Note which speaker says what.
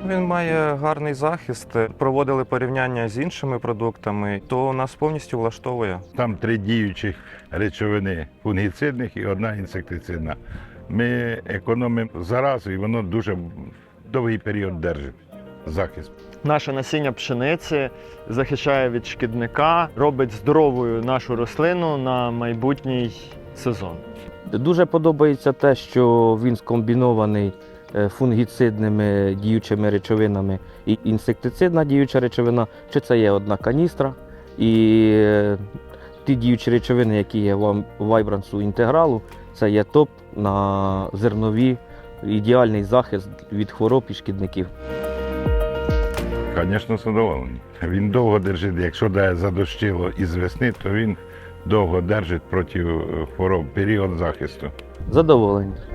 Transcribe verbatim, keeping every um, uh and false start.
Speaker 1: Він має гарний захист. Проводили порівняння з іншими продуктами, то нас повністю влаштовує.
Speaker 2: Там три діючих речовини фунгіцидних і одна інсектицидна. Ми економимо заразу і воно дуже довгий період держить захист.
Speaker 3: Наше насіння пшениці захищає від шкідника, робить здоровою нашу рослину на майбутній сезон.
Speaker 4: Дуже подобається те, що він скомбінований е, фунгіцидними діючими речовинами і інсектицидна діюча речовина, чи це є одна каністра. І е, ті діючі речовини, які є в вайбрансу інтегралу, це є топ на зернові, ідеальний захист від хвороб і шкідників.
Speaker 2: Звісно, задоволений. Він довго держить, якщо дає задощило із весни, то він довго держить проти хвороб, період захисту.
Speaker 4: Задоволені.